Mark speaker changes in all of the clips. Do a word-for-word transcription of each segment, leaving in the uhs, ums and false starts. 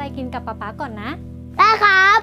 Speaker 1: อะไรกินกับป๊าป๊าก่อนนะ
Speaker 2: ได้ครับ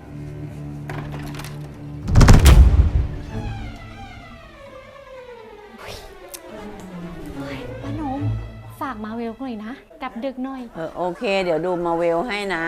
Speaker 1: ป้านมฝากมาเวลหน่อยนะกลับดึกหน่อย
Speaker 3: เออโอเคเดี๋ยวดูมาเวลให้นะ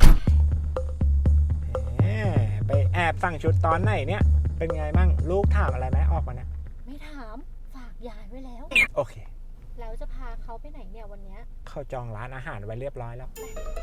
Speaker 4: ไปแอบสั่งชุดตอนไหนเนี่ยเป็นไงมั่งลูกถามอะไรไหมออกมาเนี่ย
Speaker 1: ไม่ถามฝากยายไว้แล้ว
Speaker 4: โอเค
Speaker 1: แล้วจะพาเขาไปไหนเนี่ยวันนี้
Speaker 4: เขาจองร้านอาหารไว้เรียบร้อยแล้ว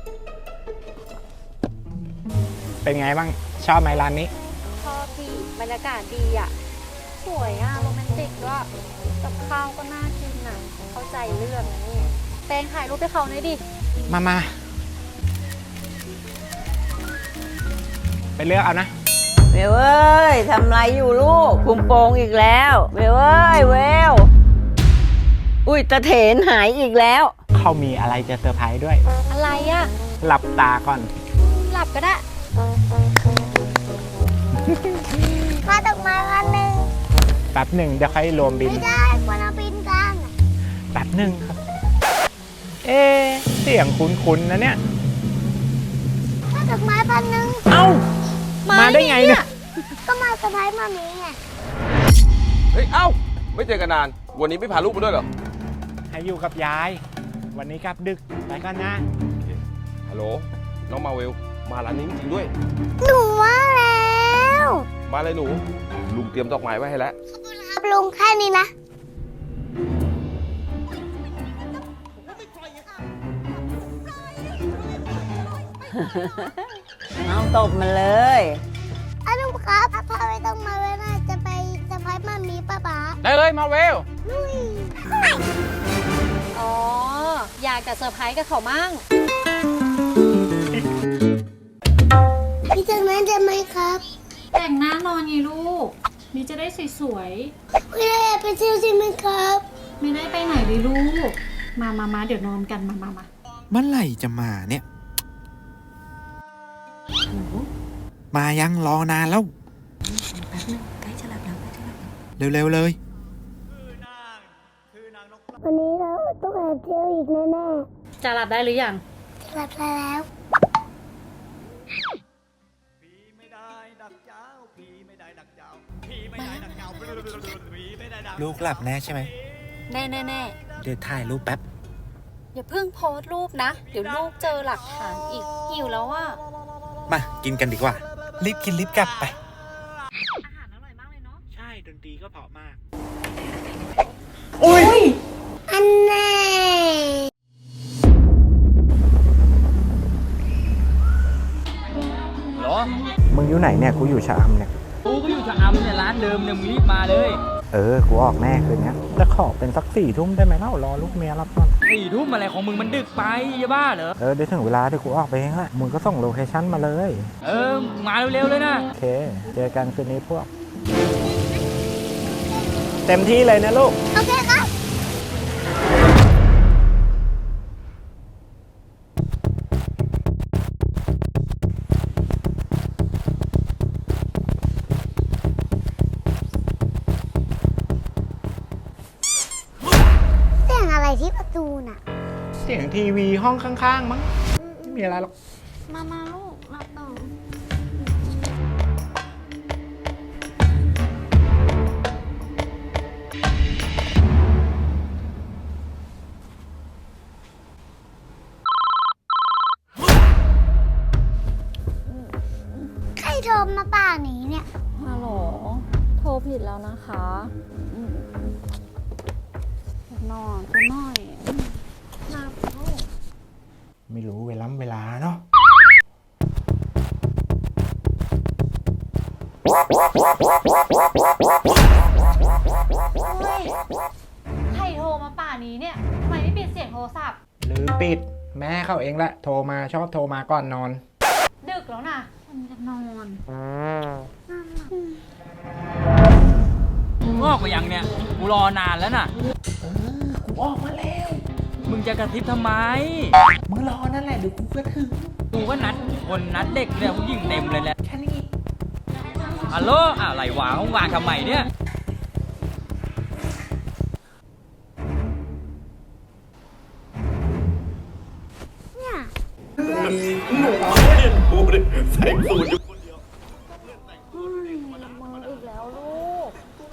Speaker 4: เป็นไงบ้างชอบไหมร้านนี้
Speaker 1: ชอบดีบรรยากาศดีอ่ะสวยอ่ะโรแมนติกด้วยกับข้าวก็น่ากินอ่ะเข้าใจเรื่องนะนี่แปลงถ่ายรูปให้เขาหน่อยดิ
Speaker 4: มามาไปเลือกเอานะ
Speaker 3: เวลเอ้ยทำไรอยู่ลูกคุมโปงอีกแล้วเวลเอ้ยเวลอุ้ยตะเถนหายอีกแล้ว
Speaker 4: เขามีอะไรจะเซอร์ไพรส์ด้วย
Speaker 1: อะไรอ่ะ
Speaker 4: หลับตาก่อน
Speaker 1: หลับก็ได้
Speaker 2: มาดอกไม้พันหนึ่ง
Speaker 4: แป๊บหนึ่งเดี๋ยวค่อยรวมบิน
Speaker 2: ไม่ได้ควรเอาบินกัน
Speaker 4: แป๊บหนึ่งครับเอ๊ะเสียงคุ้นๆนะเนี่ย
Speaker 2: มาดอกไม้พันหนึ่ง
Speaker 4: เอ้ามาได้ไงเนี่ย
Speaker 2: ก็มาเซอร์ไพรส์มามีไง
Speaker 5: เฮ้ยเอ้าไม่เจอกันนานวันนี้ไม่พาลูกมาด้วยเหรอ
Speaker 4: ให้อยู่กับยายวันนี้กลับดึกไปก่อนนะ
Speaker 5: ฮัลโหลน้องมาเวลมาร้านนี้จริงๆด้วย
Speaker 2: หนูว่าแล้ว
Speaker 5: มาเลยหนูลุงเตรียมดอกไม้ไว้ให้แล้ว
Speaker 2: ขอบคุณครับลุงแค่นี้นะ
Speaker 3: เอาตบมาเลย
Speaker 2: อาลุงครับพาไปต้องมาเวลาจะไปเซอร์ไพรส์มามีป้าป๋า
Speaker 4: ได้เลยมาเวล
Speaker 2: ลุย
Speaker 1: อ๋ออยากจะเซอร์ไพรส์กับเขามั่ง
Speaker 2: พี่จากนั้นจะไหมครับ
Speaker 1: แต่งหน้านอนไงลูกนี่จะได้สวย
Speaker 2: ๆพี่ได้ไปเที่ยวใช่ไหมครับ
Speaker 1: ไม่ได้ไปไหนเลยลูกมามามาเดี๋ยวนอนกันมามามา
Speaker 6: เมื่อไหร่จะมาเนี่ยมายังรอนานแล้ว
Speaker 1: แป๊บนึงใกล้จะหลับแล้วใกล้จะหลับ
Speaker 6: เร็วๆเลย
Speaker 2: วันนี้เราต้องแอบเที่ยวอีกแน่
Speaker 1: ๆจะหลับได้หรือยัง
Speaker 2: จะหลับแล้ว
Speaker 6: ลูกหลับแน่ใช่ไหม
Speaker 1: แน่แน่แน่
Speaker 6: เดี๋ยวถ่ายรูปแป๊บ
Speaker 1: อย่าเพิ่งโพสต์รูปนะเดี๋ยวลูกเจอหลักฐานอีกหิวแล้วว่า
Speaker 6: มากินกันดีกว่ารีบกินรีบกลับไป
Speaker 1: อาหารอร่อยมากเลยเนาะ
Speaker 4: ใช่ดนตรีก็เพราะมาก
Speaker 2: อุ้ยอันแน่
Speaker 4: เหรอมึงอยู่ไหนเนี่ยกูอยู่ชะอำเนี่ย
Speaker 7: กูก็อยู่ชะอำเนี่ยร้านเดิมเนี่ยมึงรีบมาเลย
Speaker 4: เออกูออกแน่คืนนี้แต่ขอเป็นสักสี่ทุ่มได้ไหมเล่ารอลูกเมียรับก่อน
Speaker 7: สี่ทุ่มอะไรของมึงมันดึกไปจะบ้าเหรอ
Speaker 4: เออเดี๋ยวถึงเวลาที่กูออกไปเองแหละมึงก็ส่งโลเคชั่นมาเลย
Speaker 7: เออมาเร็วๆเลยนะ
Speaker 4: โอเคเจอกันคืนนี้พวกเต็มที่เลยนะลูก
Speaker 2: โอเคครับที่ประตูน่ะ
Speaker 4: เสียงทีวีห้องข้างๆมั้งไม่มีอะไรหรอก
Speaker 1: มามาลูกหลับต่อ
Speaker 2: ใครโทรมาป่านี้เนี่ย
Speaker 1: ฮัลโหลโทรผิดแล้วนะคะนอนจะน้อยหลับลูก
Speaker 4: ไม่รู้เวลาเวลาเนาะ
Speaker 1: ใครโทรมาป่านี้เนี่ยทำไมไม่ปิดเสียงโทรศัพท์
Speaker 4: หรือปิดแม่เขาเองแหละโทรมาชอบโทรมาก่อนนอน
Speaker 1: ดึกแล้วนะมันจะนอน
Speaker 7: มึงออกไปยังเนี่ยกูรอนานแล้วน่ะ
Speaker 4: กูออกมาแล้ว
Speaker 7: มึงจะกระซิบทำไม
Speaker 4: มึงรอนั่นแหละเดี๋ยวกูก็ถึง
Speaker 7: กูก็นัดคนนัดเด็กเนี่ยผู้หญิงเต็มเลยแหละ
Speaker 4: แค่นี้
Speaker 7: ฮัลโหลอะไรวะห้องวางทำไมเนี่ย
Speaker 2: เนี่ย
Speaker 6: หนูเล่นกูดิใส่สูตรอยู่คนเดียว
Speaker 1: มืออีกแล้วลูก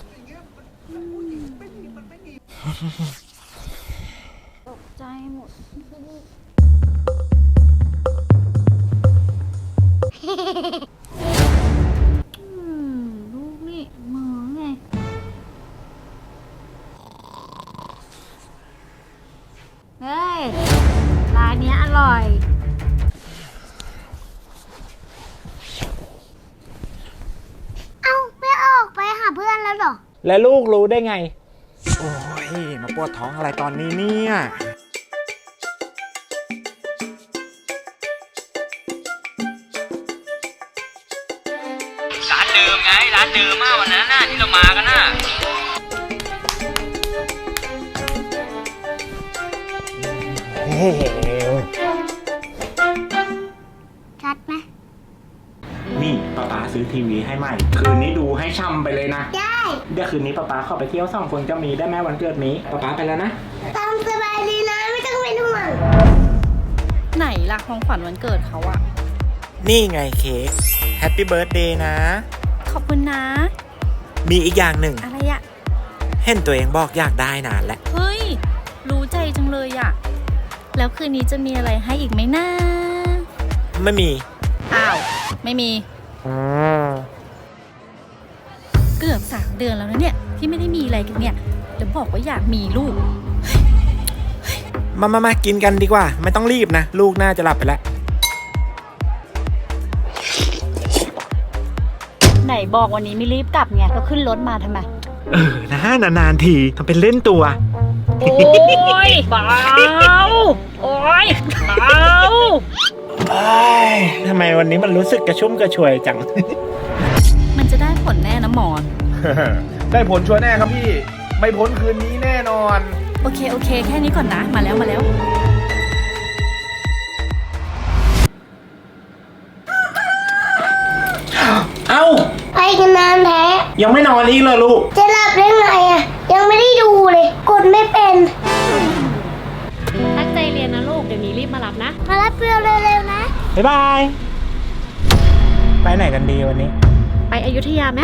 Speaker 1: ตกใจหมดอืมลูกนี่มือไงเฮ้ยร้านเนี้ยอร่อย
Speaker 2: เอ้าไม่ออกไปหาเพื่อนแล้วเหรอ
Speaker 4: แล้วลูกรู้ได้ไง โอ้ย มาปวดท้องอะไรตอนนี้เนี่ย
Speaker 7: ร้านเดิมไง ร้านเดิมมากวันนั้นน่ะที่เรามากันน่ะ
Speaker 4: เฮ้ย
Speaker 2: ชัดไหม
Speaker 4: นี่ป๊าป๊าซื้อทีวีให้ใหม่ คืนนี้ดูให้ช่ำไปเลยนะ
Speaker 2: ได้
Speaker 4: เดี๋ยวคืนนี้ป๊าป๊าขอไปเที่ยวสองคนจะมีได้ไหมวันเกิดนี้ป๊าป๊าไปแล้วนะ
Speaker 2: ตามสบายดีนะไม่ต้องเป็นห่วง
Speaker 8: ไหนล่ะของขวัญวันเกิดเขาอะ
Speaker 6: นี่ไงเค้กแฮปปี้เบิร์ดเดย์นะ
Speaker 8: ขอบคุณนะ
Speaker 6: มีอีกอย่างหนึ่ง
Speaker 8: อะไรอะ
Speaker 6: เห็นตัวเองบอกอยากได้นานแล้ว
Speaker 8: เฮ้ย รู้ใจจังเลยอะแล้วคืนนี้จะมีอะไรให้อีกไหมนะ
Speaker 6: ไม่มี
Speaker 8: อ้าว ไม่มี เกือบสามเดือนแล้วนะเนี่ย ที่ไม่ได้มีอะไรกันเนี่ยแล้วบอกว่าอยากมีลูก
Speaker 6: มามามากินกันดีกว่า ไม่ต้องรีบนะ ลูกน่าจะหลับไปแล้ว
Speaker 8: ไหนบอกวันนี้ไม่รีบกลับไงก็ขึ้นรถมาทำไม
Speaker 4: เออนะนานๆทีทำเป็นเล่นตัว
Speaker 8: โอ้ยเบาโอ้ยเบา
Speaker 4: เอ้ยทำไมวันนี้มันรู้สึกกระชุ่มกระชวยจัง
Speaker 8: มันจะได้ผลแน่นะหมอน
Speaker 5: ได้ผลชัวร์แน่ครับพี่ ไม่พ้นคืนนี้แน่นอน
Speaker 8: โอเคโอเค แค่นี้ก่อนนะ มาแล้วมาแล้ว
Speaker 4: เอ้า
Speaker 2: ไปกันนานแท้
Speaker 4: ยังไม่นอนอีกเลยลูก
Speaker 2: จะหลับได้ไงอ่ะ ยังไม่ได้ดูเลย กดไม่เป็น
Speaker 1: ตั้งใจเรียนนะลูก เดี๋ยวนี้รีบมารับนะ
Speaker 2: มารับเพื่อนเร็วๆนะ
Speaker 4: บ๊ายบาย ไปไหนกันดีวันนี้
Speaker 1: ไปอยุธยาไหม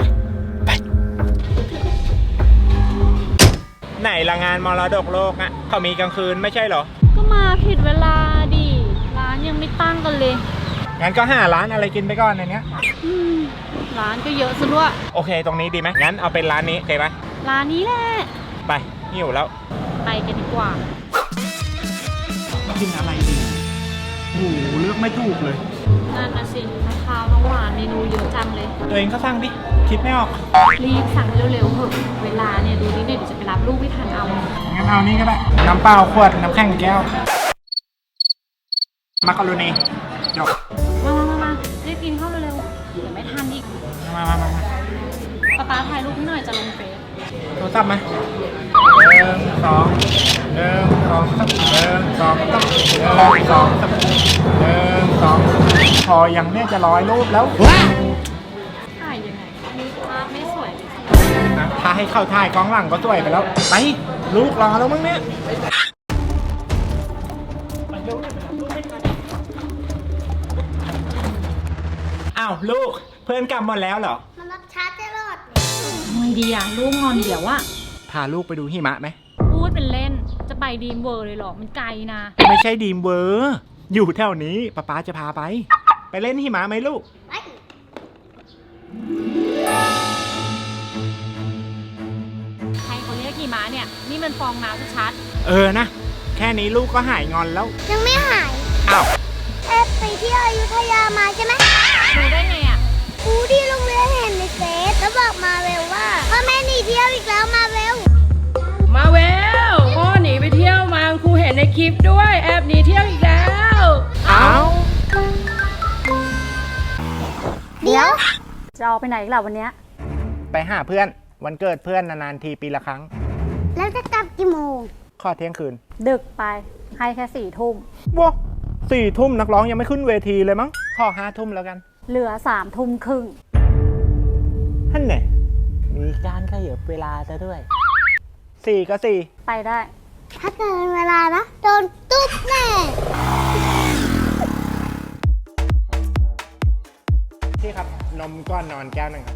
Speaker 4: ไหนละงานมรดกโลกอะเขามีกลางคืนไม่ใช่เหรอ
Speaker 1: ก็มาผิดเวลาดิ ร้านยังไม่ตั้งกันเลย
Speaker 4: งั้นก็หาร้านอะไรกินไปก่อนในเนี้ย
Speaker 1: อืมร้านก็เยอะซะด้วย
Speaker 4: โอเคตรงนี้ดีไหมงั้นเอาเป็นร้านนี้โอเคไหม
Speaker 1: ร้านนี้แหละ
Speaker 4: ไปหิวแล้ว
Speaker 1: ไปกันดีกว่า
Speaker 4: กินอะไรดีโอ้โหเลือกไม่ถูกเลย
Speaker 1: นั่นนะสิทั้งข้าวทั้งหวานเมนูเยอะจังเลย
Speaker 4: ตัวเองก็สั่งดิ คิดไม่ออก
Speaker 1: รีบสั่งเร็วๆเถอะ เวลาเนี่ยดูนิดเดียวเดี๋ยวจะไปรับลูกไม่ทันเอา
Speaker 4: งั้นเอานี่ก็ได้ น้ำเปล่าขวด น้ำแข็งแก้ว มักกะโรนีจบ
Speaker 1: มามามามารีบกินข้าวเร็วๆ เดี๋ยวไม่ทันอีก
Speaker 4: มามามามา
Speaker 1: ป๊าป๊าถ่ายรูปให้หน่อยจะลงเฟซ
Speaker 4: โทรศัพท์มาหนึ่งสองหนึ่งสองสามหนึ่งสองสามหนึ่งสองสามหนึ่งสองพอยังเนี่ยจะร้อยรูปแล้ว
Speaker 1: ถ่ายยังไงมีภาพไม่สวยเลย
Speaker 4: นะถ้าให้เข้าถ่ายกล้องหลังก็สวยไปแล้ว ไป ลูกรอแล้วมั้งเนี่ยอ้าวลูกเพื่อนกลับหมดแล้วเหรอ
Speaker 2: มารับช้าตลอด
Speaker 1: ทำไงดีอ่ะ ลูกงอนเดี๋ยวอะ
Speaker 4: พาลูกไปดูหิมะไหม
Speaker 1: พูดเป็นเล่น จะไปดีมเวอร์เลยเหรอ มันไกลนะ
Speaker 4: ไม่ใช่ดีมเวอร์อยู่แถวนี้ป๊าป๊าจะพาไป ไปเล่นหิมะไหมลูก
Speaker 2: ไป
Speaker 1: ใครเขาเรียกกี่ม้าเนี่ย นี่มันฟองน้ำชัด
Speaker 4: เออนะ แค่นี้ลูกก็หายงอนแล้ว
Speaker 2: ยังไม่หาย
Speaker 4: อ้าว
Speaker 2: เอ๊ะไปเที่ยวอยุธยามาใช่ไหม
Speaker 1: ๆดูได้ไงอ่ะ
Speaker 2: ครูที่โรงเรียนเห็นในเฟซแล้วบอกมาเวลว่าพ่อแม่หนีเที่ยวอีกแล้วมาเวล
Speaker 9: มาเวลพ่อหนีไปเที่ยวมาครูเห็นในคลิปด้วย แอบหนีเที่ยวอีกแล้ว
Speaker 4: เอา
Speaker 2: เดี๋ยว
Speaker 1: จะออกไปไหนอีกล่ะวันเนี้ย
Speaker 4: ไปหาเพื่อน วันเกิดเพื่อนนานๆทีปีละครั้ง
Speaker 2: แล้วจะกลับกี่โมง
Speaker 4: ข้อเที่ยงคืน
Speaker 1: ดึกไป ให้แค่สี่ทุ่ม
Speaker 4: ว้าสี่ทุ่มนักร้องยังไม่ขึ้นเวทีเลยมั้ง ข้อห้าทุ่มแล้วกัน
Speaker 1: เหลือสามทุ่มครึ่ง
Speaker 4: ท่านไหนมีการขยับเวลาซะด้วยสี่ก็สี่
Speaker 1: ไปได้
Speaker 2: ถ้าเกินเวลานะ โดนตุ๊บแน่
Speaker 4: ก่อนนอนแก้วหนึ่งครับ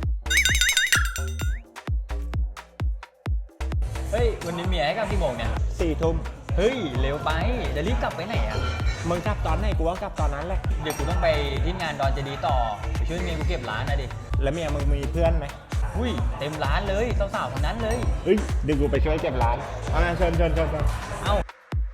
Speaker 7: เฮ้ย วันนี้เมียให้กลับกี่โมงเนี่ย
Speaker 4: สี่ทุ่ม
Speaker 7: เฮ้ย เร็วไป จะรีบกลับไปไหนอ่ะ
Speaker 4: มึงกลับตอนไหนกูก็กลับตอนนั้นแหละ
Speaker 7: เดี๋ยวกูต้องไปที่งานดอนเจดีย์ต่อ ไปช่วยเมียกูเก็บร้านนะดิ
Speaker 4: แล้วเมียมึงมีเพื่อนไหม
Speaker 7: อุ้ย เต็มร้านเลยสาวๆคนนั้นเลย
Speaker 4: เฮ้ยเดี๋ยวกูไปช่วยเก็บร้านเอางานเชิญเชิญเชิญเชิญ
Speaker 7: เอ้า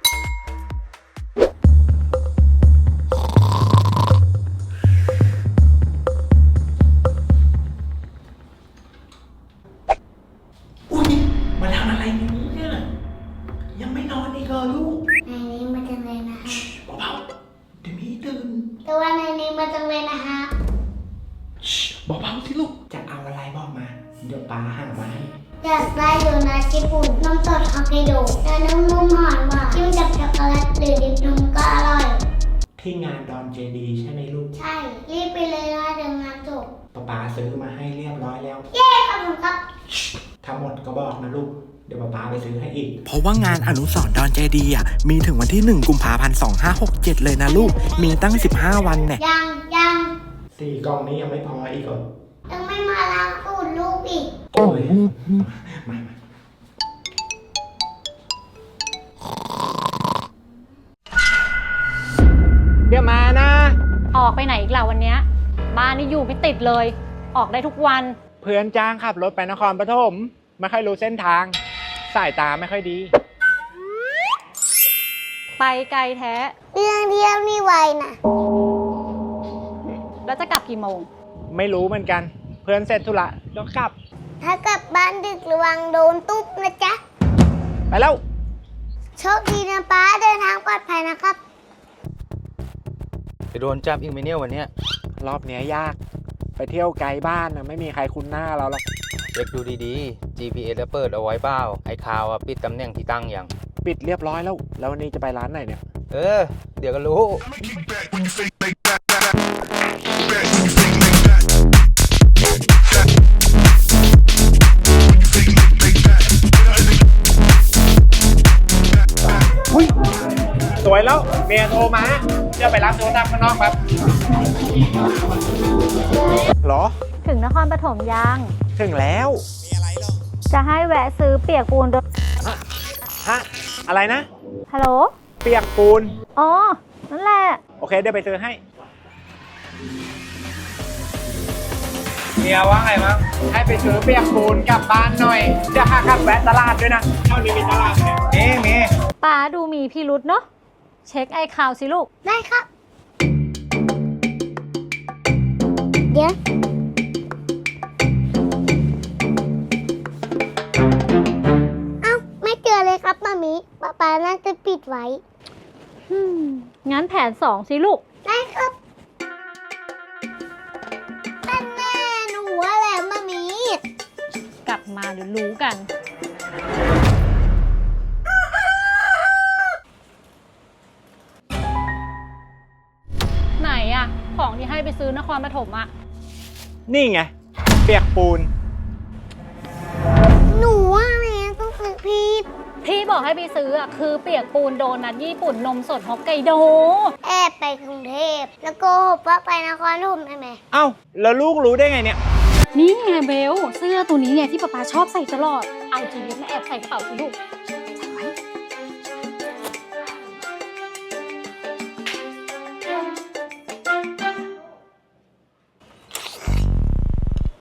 Speaker 6: มาทำอะไรในนี้เนี่ยยังไม่นอนอีกเหรอลูก
Speaker 2: ในนี้มาจังเลยนะฮะ
Speaker 6: เบาๆเดี๋ยวมีตื่น
Speaker 2: แต่ว่าในนี้มาจังเลยนะฮะ
Speaker 6: เบาๆสิลูกจะเอาอะไรบอกมา เดี๋ยวป้าหามาให้
Speaker 2: อยากได้โดนัทญี่ปุ่นนมสดฮอกไกโดแต่นุ่มๆหอมหวานจิ้มกับช็อกโกแลตหรือดิบนมก็อร่อย
Speaker 6: ที่งานดอนเจดีใช่ไหมลูก
Speaker 2: ใช่ รีบไปเลยนะเดี๋ยวงานจบ
Speaker 6: ป้าป้าซื้อมาให้เรียบร้อยแล้ว
Speaker 2: เย้ขอบคุณครับ
Speaker 6: ถ้าหมดก็บอกนะลูก เดี๋ยวป้าป้าไปซื้อให้อีก
Speaker 10: เพราะว่างานอนุสรณ์ดอนเจดีย์อ่ะมีถึงวันที่หนึ่งกุมภาพันธ์สองห้าหกเจ็ดเลยนะลูก มีตั้งสิบห้าวันเนี่ย
Speaker 2: ยังยัง
Speaker 6: สี่กล่องนี้ยังไม่พออีกเหรอ
Speaker 2: ยังไม่มาล้างตูดลูกอีก
Speaker 6: โอ้ยมามา
Speaker 4: เดี๋ยวมานะ
Speaker 1: ออกไปไหนอีกล่ะวันเนี้ยบ้านนี่อยู่ไม่ติดเลย ออกได้ทุกวัน
Speaker 4: เพื่อนจ้างขับรถไปนครปฐมไม่ค่อยรู้เส้นทาง สายตาไม่ค่อยดี
Speaker 1: ไปไกลแท้
Speaker 2: เรื่องเที่ยวนี่ไวนะ
Speaker 1: แล้วจะกลับกี่โมง
Speaker 4: ไม่รู้เหมือนกัน เพื่อนเสร็จธุระก็กลับ
Speaker 2: ถ้ากลับบ้านดึกระวังโดนตุ๊บนะจ๊ะ
Speaker 4: ไปแล้ว
Speaker 2: โชคดีนะป้าเดินทางปลอดภัยนะครับ
Speaker 5: จะโดนจับอีกไหมเนี่ยวันเนี้ย
Speaker 4: รอบเนี้ยยาก ไปเที่ยวไกลบ้านนะไม่มีใครคุ้นหน้าเราหรอก
Speaker 7: เช็คดูดีๆ จี พี เอส แล้วเปิดเอาไว้เปล่า ไอ้ข่าวอะปิดตำแหน่งที่ตั้งอย่าง
Speaker 4: ปิดเรียบร้อยแล้ว แล้ววันนี้จะไปร้านไหนเนี่ย
Speaker 7: เออ เดี๋ยวก็รู้
Speaker 4: สวยแล้ว เมียโทรมาจะไปรับโทรศัพท์ข้างนอกครับหรอ
Speaker 1: ถึงนครปฐมยัง
Speaker 4: ถึงแล้ว
Speaker 1: จะให้แวะซื้อเปียกปูนด้วย
Speaker 4: ฮะ อะไรนะ
Speaker 1: ฮัลโหล
Speaker 4: เปียกปูน
Speaker 1: อ๋อ นั่นแหละ
Speaker 4: โอเค เดี๋ยวไปซื้อให้เมียว่าไงมั้งให้ไปซื้อเปียกปูนกลับบ้านหน่อย จะหาขับแวะตลาดด้วยนะเท่านี้มีตลาดไหมมีมี
Speaker 1: ป้าดูมีพิรุษเนาะ เช็คไอ้ข่าวสิลูก
Speaker 2: ได้ครับ เดี๋ยว เอ้า ไม่เจอเลยครับมามีป๊าป๊าน่าจะปิดไว้
Speaker 1: อืม งั้นแผนสองสิลูก
Speaker 2: ได้ครับนั่นแน่หนูว่าแหละมามี
Speaker 1: กลับมาเดี๋ยวรู้กัน ไหนอะของที่ให้ไปซื้อนครปฐมอะ
Speaker 4: นี่ไง เปียกปูน
Speaker 2: หนูว่าแม่ต้องซื้อพีด
Speaker 1: ที่บอกให้ไปซื้ออะคือเปียกปูนโดนัทญี่ปุ่นนมสดฮอกไกโด
Speaker 2: แอบไปกรุงเทพแล้วโกหกว่าไปนครปฐมได้ไหม
Speaker 4: เอ้า แล้วลูกรู้ได้ไงเนี่ย
Speaker 1: นี่ไงเบล เสื้อตัวนี้เนี่ยที่ป๊าป๊าชอบใส่ตลอด เอาจีบมาแอบใส่กระเป๋าสิลูก